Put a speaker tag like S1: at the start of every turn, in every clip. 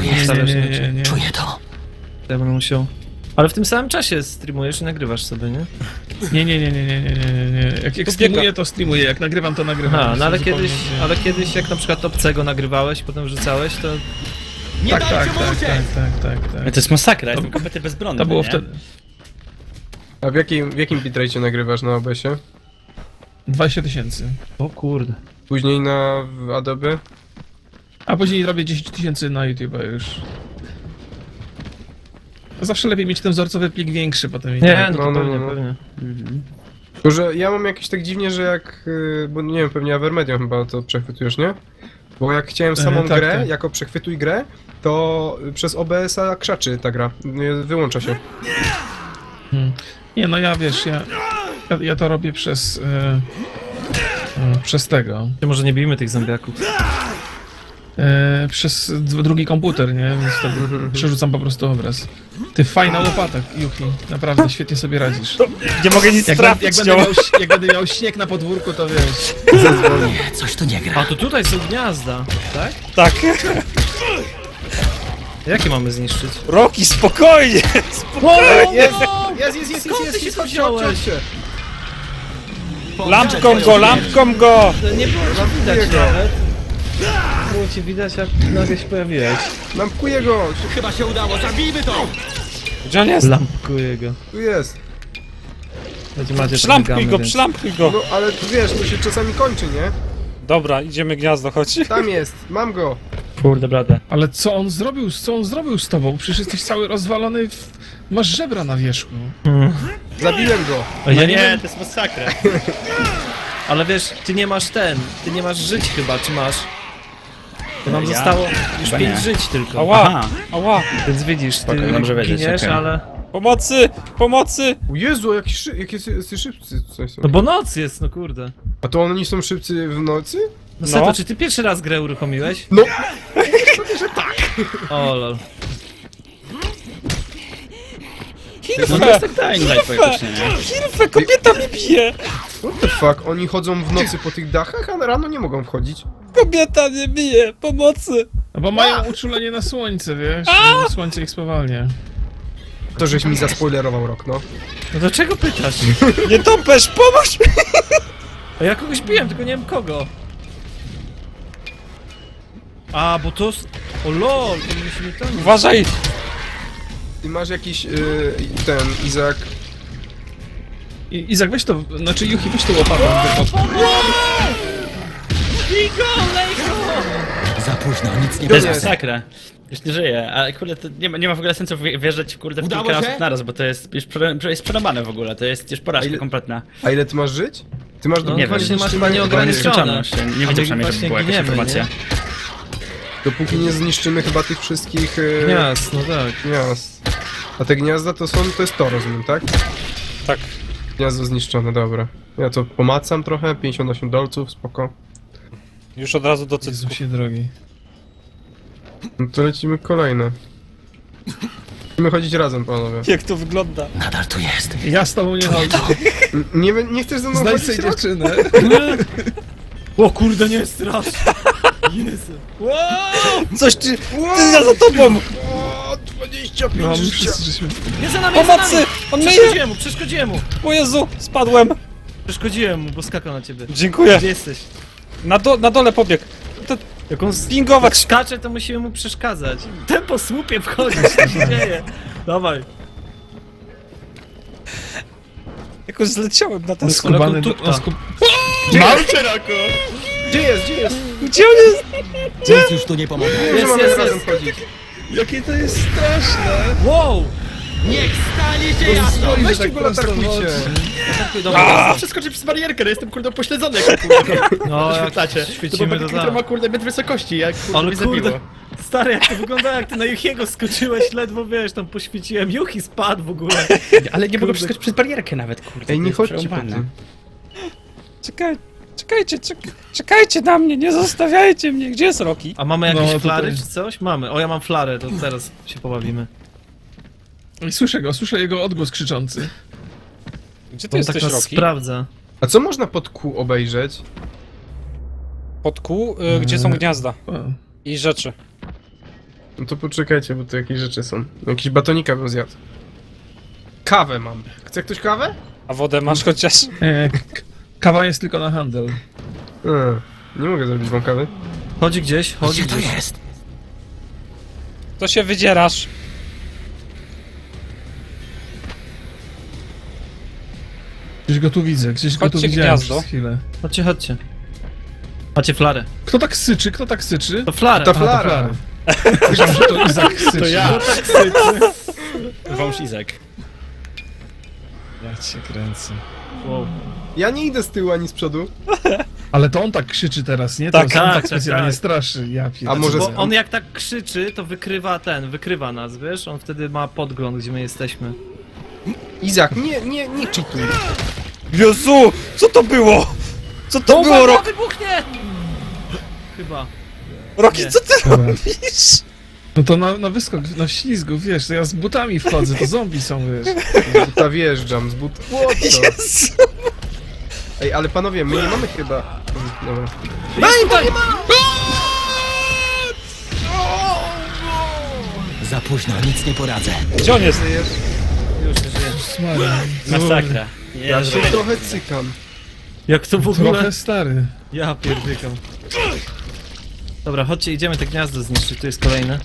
S1: jest.
S2: Nie.
S1: Czuję to.
S2: Ja będę musiał... Ale w tym samym czasie streamujesz i nagrywasz sobie, nie?
S3: Nie. Jak streamuję, to streamuję, jak nagrywam, to nagrywam.
S2: Aha, no ale
S3: Zupełnie
S2: kiedyś jak na przykład obcego nagrywałeś, potem wrzucałeś, to...
S3: Tak.
S4: To jest masakra, jestem kompletnie bezbronny,
S3: To było
S4: nie?
S3: wtedy.
S5: A w jakim bitrate nagrywasz na OBS-ie?
S3: 20 000.
S2: O kurde.
S5: Później na Adobe?
S3: A później robię 10 000 na YouTube już. Zawsze lepiej mieć ten wzorcowy plik większy potem.
S2: Nie, no to
S5: No.
S2: pewnie.
S5: Tylko, że ja mam jakieś tak dziwnie, że jak... Bo nie wiem, pewnie Avermedium chyba to przechwytujesz, nie? Bo jak chciałem samą
S3: tak,
S5: grę,
S3: tak.
S5: jako przechwytuj grę, to przez OBS-a krzaczy ta gra. Wyłącza się.
S3: Nie, no ja wiesz, ja to robię przez tego.
S2: Może nie bijmy tych zombiaków.
S3: Przez drugi komputer, nie? Więc wtedy przerzucam po prostu obraz. Ty fajna łopata, Yuki. Naprawdę świetnie sobie radzisz.
S4: Nie mogę nic
S3: Jak
S4: trafić,
S3: jak będę miał śnieg na podwórku, to wiesz.
S1: Nie, coś tu nie gra.
S2: A to tutaj są gniazda, tak?
S4: Tak.
S2: Jakie mamy zniszczyć?
S4: Roki, spokojnie!
S5: Jest!
S2: Skąd ty się to wziąłeś?
S4: Lampką go!
S2: Nie było cię widać nawet. Nie było cię widać, jak nagle się pojawiłeś.
S5: Lampkuję go!
S1: Chyba się udało, zabijmy to!
S4: Gdzie on jest?
S2: Lampkuję go.
S5: Tu jest!
S2: Macie
S4: Przylampkuj go, przylampkuj go!
S5: No, ale wiesz, to się czasami kończy, nie?
S4: Dobra, idziemy gniazdo, chodź.
S5: Tam jest! Mam go!
S2: Kurde, brate.
S3: Ale co on zrobił z tobą? Przecież jesteś cały rozwalony, masz żebra na wierzchu.
S5: Zabiłem go!
S2: Ja nie wiem,
S4: to jest masakra.
S2: ale wiesz, ty nie masz żyć chyba, czy masz? To nam
S4: Ja?
S2: zostało już
S4: Chyba
S2: 5
S4: nie.
S2: żyć tylko.
S4: Ała, ała.
S2: Więc widzisz, ty
S4: Spoko, dobrze wiedzieć,
S2: giniesz,
S4: okej.
S2: ale...
S4: Pomocy!
S5: O Jezu, jakie szybcy tutaj są.
S2: No bo noc jest, no kurde.
S5: A to oni są szybcy w nocy?
S2: No Seto,
S4: No.
S2: czy ty pierwszy raz grę uruchomiłeś?
S5: No!
S2: O lol.
S4: No to jest tak Dying Light faktycznie, nie? Hilfe, kobieta mnie bije!
S5: What the fuck? Oni chodzą w nocy po tych dachach, a rano nie mogą wchodzić.
S4: Kobieta mnie bije! Pomocy!
S3: No bo mają uczulenie na słońce, wiesz? Słońce ich spowalnia.
S5: To żeś mi zaspoilerował rok, no.
S2: No to czego pytasz?
S4: Nie topesz, pomóż!
S2: A ja kogoś biłem, tylko nie wiem kogo. A, bo to... O lol, to musimy tam...
S4: Uważaj!
S5: Ty masz jakiś, ten, Izak...
S3: Izak, weź to, znaczy Yuki, weź to łopatą.
S1: Za późno, nic nie
S4: To jest
S5: jest.
S4: masakra. Już nie żyje, ale kurde, to nie ma w ogóle sensu wjeżdżać kurde w
S1: Udało
S4: kilka
S1: się?
S4: osób naraz, bo to jest już jest przerąbane w ogóle, to jest już
S5: A
S4: porażka
S5: ile-
S4: kompletna.
S5: A ile ty masz żyć? Ty masz
S2: No
S4: nie wiem,
S2: właśnie masz
S5: zniszczymy-
S2: chyba nieograniczone.
S4: Nie widzę
S2: my
S4: przynajmniej, żeby
S2: właśnie
S4: była jakaś
S2: giniemy,
S4: informacja.
S5: Dopóki nie zniszczymy chyba tych wszystkich
S2: Gniazd, no tak.
S5: gniazd. A te gniazda to jest to, rozumiem, tak?
S4: Tak.
S5: Gniazdo zniszczone, dobra. Ja to pomacam trochę, 58 dolców, spoko.
S4: Już od razu do cycku.
S3: Jezusie drogi.
S5: No to lecimy kolejne. Musimy chodzić razem, panowie.
S4: Jak to wygląda?
S1: Nadal tu jest.
S3: Ja z tobą nie chodzę.
S5: Nie chcesz ze mną
S3: Znajdź
S5: chodzić,
S3: sobie
S5: Rok?
S3: dziewczynę.
S2: O kurde, nie strasz! Jezu.
S4: Coś ty ja za tobą!
S5: O, 25
S3: No, my
S5: życia!
S3: wszyscy żeśmy...
S2: Nie za nami, za
S4: Pomocy!
S2: nami!
S4: On myje!
S2: Przeszkodziłem mu!
S4: O Jezu, spadłem!
S2: Przeszkodziłem mu, bo skakał na ciebie.
S4: Dziękuję.
S2: Gdzie jesteś?
S4: Na dole pobieg. To
S2: Jak on
S4: pingować.
S2: jak skacze, to musimy mu przeszkadzać. Ten po słupie wchodzisz, co się dzieje? Dawaj.
S4: Jakoś zleciałem na ten skok.
S3: Skubany do...
S2: tupta.
S4: Mam szeroko!
S5: Gdzie jest?
S4: Gdzie on jest?
S1: Nic już tu nie pomoże.
S5: Nie, że mamy
S2: jest.
S5: razem chodzić.
S3: Jakie to jest straszne!
S2: Wow!
S1: Niech stanie się jasno!
S5: Weźcie go latarkujcie.
S2: Dobra,
S4: Przeskoczyć przez barierkę, no jestem kurde upośledzony jak kurde.
S2: no jak
S4: Świecicie.
S2: świecimy to
S4: To ma
S2: tak.
S4: kurde metr wysokości, jak kurde
S2: Ale
S4: mnie zabiło.
S2: kurde, stary, jak to wygląda, jak ty na Juchiego skoczyłeś, ledwo wiesz, tam poświeciłem, Juchi spadł w ogóle.
S4: Ale nie mogę
S2: Kurde.
S4: przeskoczyć przez barierkę nawet, kurde.
S5: Ej,
S4: to
S5: nie
S4: jest
S5: chodźcie po
S4: przerąbane.
S5: tym.
S4: Czekajcie na mnie, nie zostawiajcie mnie. Gdzie jest Roki?
S2: A mamy jakieś
S3: No,
S2: flary
S3: tutaj.
S2: czy coś? Mamy. O, ja mam flarę, to teraz się pobawimy.
S3: I słyszę jego odgłos krzyczący.
S4: Gdzie ty
S2: On tak
S4: jesteś,
S2: nas
S4: Roki?
S2: sprawdza.
S5: A co można pod kół obejrzeć?
S4: Pod kół, gdzie są gniazda
S3: O.
S4: i rzeczy.
S5: No to poczekajcie, bo tu jakieś rzeczy są. Jakiś batonika bym zjadł. Kawę mam. Chce ktoś kawę?
S6: A wodę masz chociaż?
S3: Kawa jest tylko na handel.
S5: Nie mogę zrobić wam kawy.
S2: Chodzi gdzieś, chodzi
S1: Gdzie to
S2: gdzieś.
S1: jest?
S6: To się wydzierasz.
S3: Gdzieś go tu widzę, gdzieś go tu
S6: Chodźcie
S3: widziałem
S6: gniazdo.
S3: przez chwilę.
S2: Chodźcie, chodźcie. Macie flarę.
S3: Kto tak syczy? Kto tak syczy?
S2: To flarę.
S5: Ta
S3: Aha, to
S5: flara.
S3: Myślałem, że to Izak syczy.
S4: To ja. Wąż Izak.
S3: Ja cię kręcę.
S2: Wow.
S5: Ja nie idę z tyłu ani z przodu.
S3: Ale to on tak krzyczy teraz, nie?
S6: Tak,
S3: to on
S2: tak,
S3: tak specjalnie
S2: tak.
S3: straszy. Ja
S5: A może
S2: Bo on jak tak krzyczy, to wykrywa nas, wiesz? On wtedy ma podgląd, gdzie my jesteśmy.
S5: Izak, nie cheatuj.
S6: Jezu! Co to było? Co to było, Roki?
S2: wybuchnie! Chyba.
S6: Roki,
S2: Nie.
S6: co ty
S3: Dobra.
S6: robisz?
S3: No to na wyskok, na ślizgu, wiesz, to ja z butami wchodzę, to zombie są, wiesz.
S5: Z buta wjeżdżam, z buta... What the?
S6: Jezu!
S5: Ej, ale panowie, my nie mamy chyba... Dobra.
S1: Za późno, nic nie poradzę.
S6: Gdzie on jest?
S2: Już nie żyje.
S3: Maria.
S4: Masakra. Nie,
S5: Ja się
S4: zrobię.
S5: trochę cykam.
S2: Jak to w ogóle?
S3: Trochę stary.
S2: Ja pierdykam. Dobra, chodźcie, idziemy te gniazdo zniszczyć, tu jest kolejne.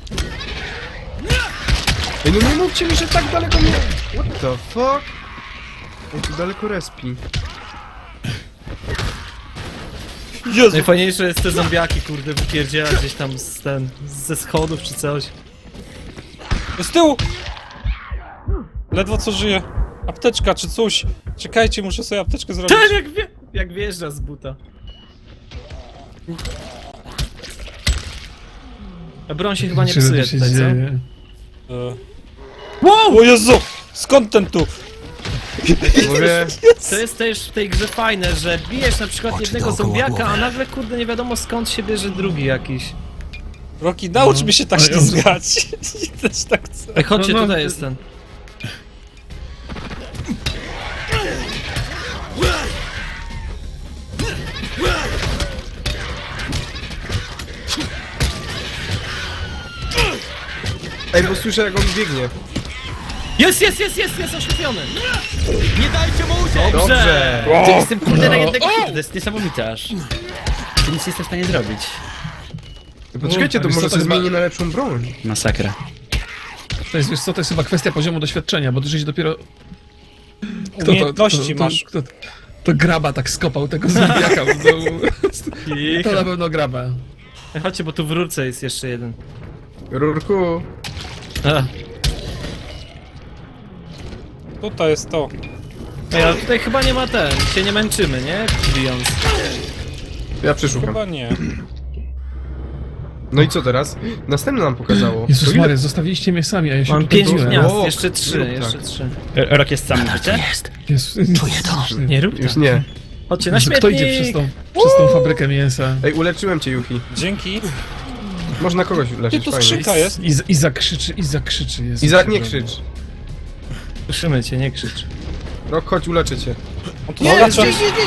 S5: Ej, no nie mówcie mi, że tak daleko mnie... What the fuck? Ej, tu daleko respi.
S6: Jezu!
S2: Najfajniejsze jest te zombiaki, kurde, wypierdziela gdzieś tam ze schodów czy coś.
S6: Z tyłu! Ledwo co żyje. Apteczka czy coś. Czekajcie, muszę sobie apteczkę zrobić.
S2: Ten jak wjeżdża z buta. A broń się chyba nie
S3: Czy
S2: psuje
S3: to się
S2: tutaj, co?
S3: dzieje?
S6: Wow! O Jezu! Skąd ten tu?
S5: Mówię...
S2: To jest też w tej grze fajne, że bijesz na przykład
S1: Oczy
S2: jednego
S1: dookoła
S2: zombiaka,
S1: głowy.
S2: a nagle kurde nie wiadomo skąd się bierze drugi jakiś.
S6: Roki, naucz mi się tak
S3: Ale on-
S6: ślizgać. I też tak chcę.
S2: Ej, chodźcie,
S3: No, no,
S2: tutaj jest ten.
S5: Ej, bo słyszę jak on biegnie.
S2: Jest oślepiony!
S1: Nie dajcie mu uciec!
S5: Dobrze!
S4: Ty jestem kurde na jednego hitu, to jest niesamowite aż. Ty nic nie jestem w stanie zrobić.
S5: Poczekajcie, to
S3: Wiesz co,
S5: może
S3: to
S5: sobie
S3: chyba-
S5: zmieni na lepszą broń.
S4: Masakra.
S3: To jest, wiesz co, to jest chyba kwestia poziomu doświadczenia, bo ty żeś dopiero... Kto
S6: Umiejętności masz.
S3: To graba tak skopał tego zombiaka w dół. To na pewno graba.
S2: Ej, chodźcie, bo tu w rurce jest jeszcze jeden.
S5: Rurku.
S2: A.
S6: Tutaj jest to.
S2: Ej, ale tutaj chyba nie ma ten, się nie męczymy, nie? Bijąc.
S5: Ja przeszukam.
S6: Chyba nie.
S5: No i co teraz? Następne nam pokazało.
S3: Jezus
S5: To ile-
S3: Maria, zostawiliście mnie sami, a ja się
S2: Mam
S3: tutaj
S2: 5
S3: biłem.
S2: gniazd,
S5: O,
S2: jeszcze 3,
S5: tak.
S2: jeszcze 3.
S4: Rok jest sam,
S1: Tak
S4: wiecie?
S1: jest.
S3: Jezu,
S1: Czuję to.
S2: Nie rób
S5: Już
S2: tak.
S5: nie.
S2: Chodźcie na
S3: Jezu, kto idzie
S2: śmietnik!
S3: przez tą fabrykę mięsa?
S5: Ej, uleczyłem cię, Yuki.
S6: Dzięki.
S5: Można kogoś
S6: Gdzie
S5: uleczyć,
S6: tu
S5: fajnie.
S6: skrzynka jest?
S3: Izak krzyczy. Jezu,
S5: Izak, nie
S3: przepraszam.
S5: krzycz.
S2: Słyszymy cię, nie krzycz.
S5: Rok, chodź, uleczę cię.
S6: On tu zagacza.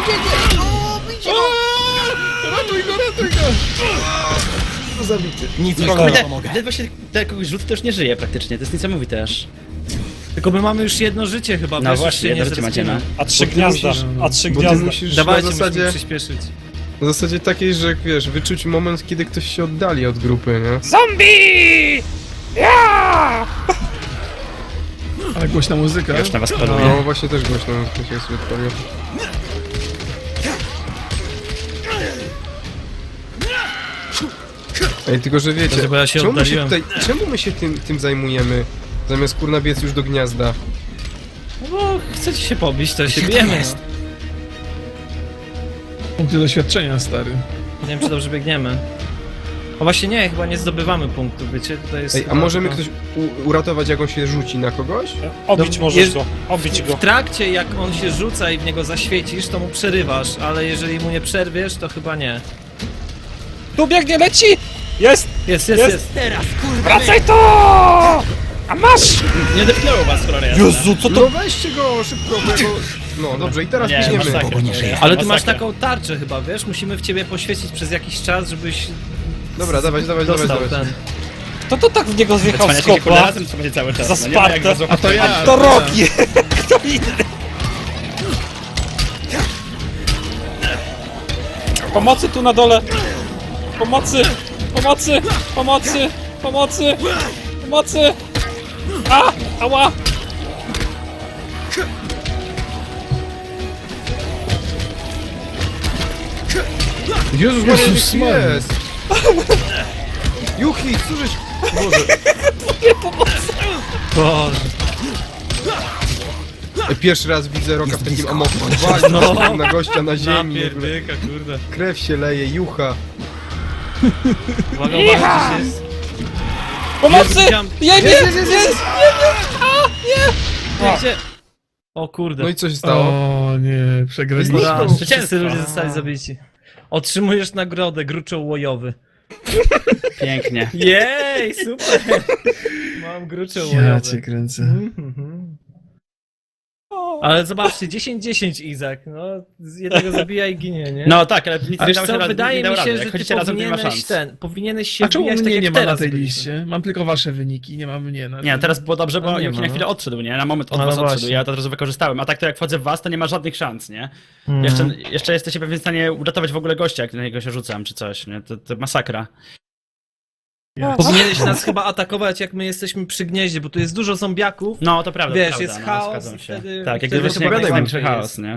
S1: Nic mi
S6: Cholera.
S1: nie pomogę.
S4: Ledwo się tak kogoś rzuci, to już nie żyje praktycznie, to jest niesamowite aż.
S2: Tylko my mamy już jedno życie chyba,
S4: No
S2: wiesz,
S4: właśnie,
S2: już się
S4: jedno życie macie, no.
S2: zrespimy.
S6: A 3
S5: Bo ty
S6: gniazda.
S5: musisz-
S6: A 3
S5: Bo ty
S6: gniazda.
S5: musisz
S2: Dawajcie,
S5: na
S2: musimy
S5: zasadzie,
S2: przyspieszyć.
S5: na zasadzie takiej, że wiesz, wyczuć moment, kiedy ktoś się oddali od grupy, nie?
S6: Zombie! Ja!
S3: Ale głośna muzyka.
S4: Już na was
S5: No
S4: paluję.
S5: właśnie też głośno to się sobie odpaliło. Ej, tylko że wiecie,
S2: Dobrze, bo ja się
S5: czemu my się
S2: oddaliłem.
S5: tutaj, czemu my się tym zajmujemy, zamiast kurna biec już do gniazda?
S2: No bo chcecie się pobić, to się
S1: Gdzie to
S2: bijemy.
S1: jest?
S2: No.
S3: Punkty doświadczenia, stary.
S2: Nie wiem, czy dobrze biegniemy. O właśnie nie, chyba nie zdobywamy punktów, wiecie, tutaj jest...
S5: Ej, a
S2: chyba
S5: możemy
S2: tylko-
S5: ktoś uratować, jak on się rzuci na kogoś?
S6: Obić
S2: No,
S6: możesz
S2: jest-
S6: go. Obić go.
S2: W trakcie, jak on się rzuca i w niego zaświecisz, to mu przerywasz, ale jeżeli mu nie przerwiesz, to chyba nie.
S6: Tu biegnie, leci! Jest!
S2: Jest.
S1: Teraz, kurwa!
S6: Wracaj tu! A masz!
S4: Nie depnęło was, cholera jasna.
S6: Jezu, co
S5: No weźcie go szybko, bo jego... No dobrze, i teraz
S4: Nie,
S5: biegniemy.
S4: masakra.
S1: Bo nie żyje.
S2: Ale ty masz
S4: Masakra.
S2: taką tarczę chyba, wiesz? Musimy w ciebie poświecić przez jakiś czas, żebyś
S5: Dobra, dawać,
S2: dostał
S5: dawać.
S2: ten...
S6: To tak w niego zjechał z
S4: Cwaniacie się kurde
S6: kopła.
S4: razem trzymajcie cały czas.
S6: Za
S4: No, nie ma jak
S6: Spartę.
S4: was złapać.
S3: A to ja.
S6: To Rocky! Kto inny? Pomocy tu na dole! Pomocy! Pomocy! Pomocy! Pomocy! Pomocy! A! Ała!
S5: Jezus Maria,
S3: Jezus
S5: jaki
S3: Maria.
S5: jest! Yuki, co żeś... Boże.
S2: Boże.
S5: Pierwszy raz widzę Roka w takim amoku. Wali na gościa na ziemi. w ogóle.
S2: kurde.
S5: Krew się leje, jucha.
S2: Uwaga, uwaga, gdzieś jest.
S6: Pomocy!
S2: widziałem-
S6: Jej, jest!
S2: Gdzie? O kurde.
S5: No i co się stało?
S3: O nie, przegraliśmy.
S5: Zniknął.
S2: Wszyscy ludzie zostali zabici. Otrzymujesz nagrodę, gruczoł łojowy.
S4: Pięknie.
S2: Jej, super! Mam gruczoł
S3: Ja
S2: łojowy.
S3: cię kręcę.
S2: Mhm. Ale zobaczcie, 10-10 Izak, no z jednego zabija i ginie, nie?
S4: No tak, ale nic
S2: A
S4: nie
S2: wiesz
S4: dało się
S2: co,
S4: raz,
S2: wydaje
S4: nie dało
S2: mi się,
S4: rady.
S2: że
S4: Jak
S2: ty
S4: chodzicie razem, to nie ma
S2: powinieneś
S4: szans.
S2: powinieneś się
S3: A czemu
S2: wbijać
S3: mnie
S2: tak
S3: nie
S2: jak
S3: ma na
S2: teraz
S3: tej
S2: byliśmy.
S3: liście? Mam tylko wasze wyniki, nie ma mnie na
S4: Nie, teraz było dobrze, bo
S2: No nie
S4: Yuki
S2: ma,
S4: na
S2: no.
S4: chwilę odszedł, nie? Na moment od
S2: No
S4: was
S2: właśnie.
S4: odszedł, ja to od razu wykorzystałem. A tak to jak wchodzę w was, to nie ma żadnych szans, nie?
S2: Mhm.
S4: Jeszcze jesteście pewnie w stanie uratować w ogóle gościa, jak na niego się rzucam, czy coś, nie? To masakra.
S2: Powinieneś nas chyba atakować, jak my jesteśmy przy gnieździe, bo tu jest dużo zombiaków.
S4: No, to prawda,
S2: Wiesz,
S4: to prawda,
S2: jest
S4: no,
S2: chaos
S4: zgadzam
S2: i
S4: się.
S2: wtedy-
S4: Tak, jak
S2: wtedy
S4: gdyby
S2: chyba
S4: się największy
S2: najłatwiej
S4: chaos,
S2: jest.
S4: nie?